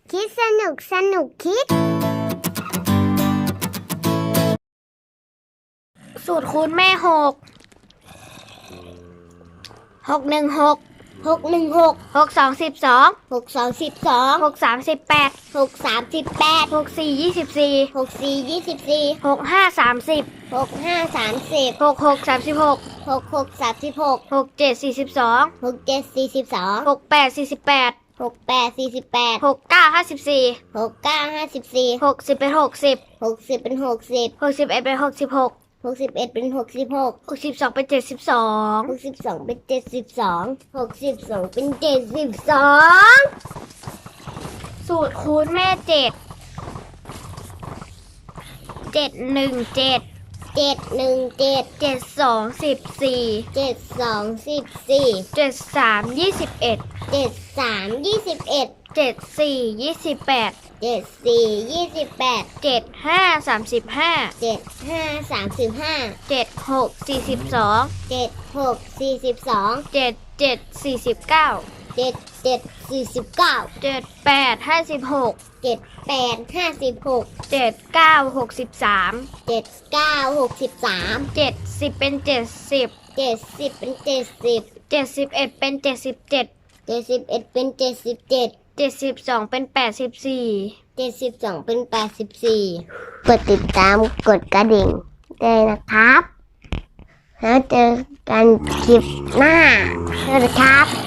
คิดสนุกคิดสูตรคูณแม่6 616 616 62 12 62 63 18 63 64 24 64 65 30 65 66 36 36 67 42 67 68 48 48 69 54 54 60เป็น60 60เป็น60 61เป็น66 61เป็น66 62เป็น72 62เป็น72 62เป็น72 สูตรคูณแม่7 717 717 72 14 72 14 73 21 73 21 74 28 74 28 75 35 75 35 76 42 76 42 77 49 77 49 78 56 78 56 79 63 79 63 70เป็น70 70เป็น70 71เป็น77 71เป็น77 72เป็น84 72เป็น84กดติดตามกดกระดิ่งด้วยนะครับแล้วเจอกันคลิปหน้าสวัสดีครับ